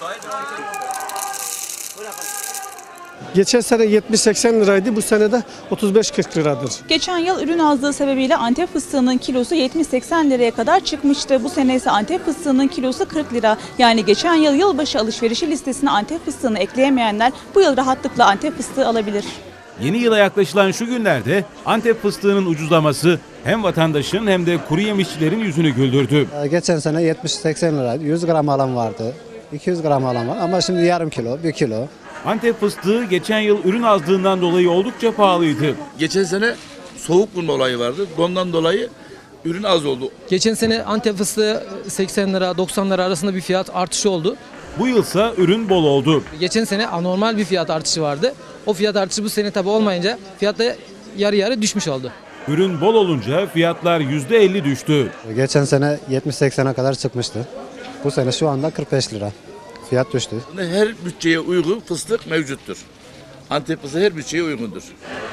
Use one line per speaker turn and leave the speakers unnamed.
Geçen sene 70-80 liraydı, bu sene de 35-40 liradır.
Geçen yıl ürün azlığı sebebiyle Antep fıstığının kilosu 70-80 liraya kadar çıkmıştı. Bu sene ise Antep fıstığının kilosu 40 lira. Yani geçen yıl yılbaşı alışverişi listesine Antep fıstığını ekleyemeyenler bu yıl rahatlıkla Antep fıstığı alabilir.
Yeni yıla yaklaşılan şu günlerde Antep fıstığının ucuzlaması hem vatandaşın hem de kuru yemişçilerin yüzünü güldürdü.
Geçen sene 70-80 liraydı. 100 gram alan vardı. 200 gram alan var ama şimdi yarım kilo, 1 kilo.
Antep fıstığı geçen yıl ürün azlığından dolayı oldukça pahalıydı.
Geçen sene soğuk vurma olayı vardı. Ondan dolayı ürün az oldu.
Geçen sene Antep fıstığı 80 lira 90 lira arasında bir fiyat artışı oldu.
Bu yılsa ürün bol oldu.
Geçen sene anormal bir fiyat artışı vardı. O fiyat artışı bu sene tabi olmayınca fiyat da yarı yarı düşmüş oldu.
Ürün bol olunca fiyatlar %50 düştü.
Geçen sene 70-80'e kadar çıkmıştı. Bu sene şu anda 45 lira. Fiyat düştü.
Her bütçeye uygun fıstık mevcuttur. Antep fıstığı her bütçeye uygundur.